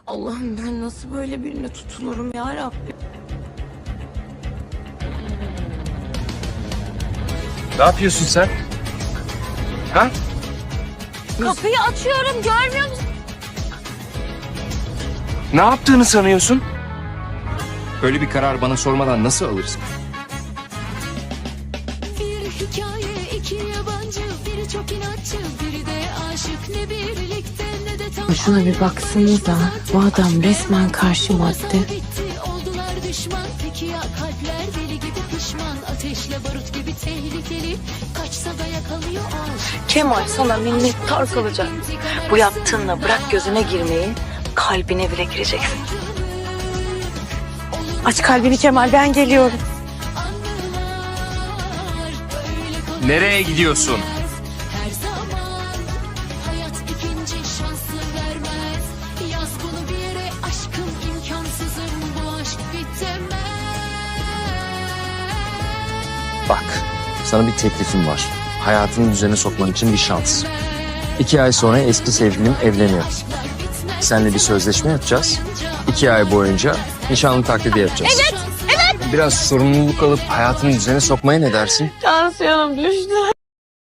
Allah'ım ben nasıl böyle birine tutulurum ya Rabbim. Ne yapıyorsun sen? Ha? Kapıyı açıyorum, görmüyor musun? Ne yaptığını sanıyorsun? Böyle bir karar bana sormadan nasıl alırsın? Bir hikaye, iki yabancı, biri çok inatçı, biri de aşık. Ne birlikte ne de tam. Şuna bir baksanıza, bu adam resmen karşı madde. Bitti, oldular düşman. Peki ya kalpler deli gibi pişman. Ateşle barut gibi tehlikeli. Kaçsa da yakalıyor aşk. Kemal sana minnettar kalacak. Bu yaptığınla bırak gözüne girmeyi, kalbine bile gireceksin. Aç kalbini Kemal, ben geliyorum. Nereye gidiyorsun? Her zaman hayat ikinci şansı vermez. Yaz bunu bir yere, aşkım imkansızım, bu aşk bitemez. Bak, sana bir teklifim var. Hayatını düzene sokman için bir şans. 2 ay sonra eski sevgilim evleniyor. Seninle bir sözleşme yapacağız. 2 ay boyunca nişanlı taklidi yapacağız. Evet. Biraz sorumluluk alıp hayatını düzene sokmaya ne dersin? Tansiyonum düştü.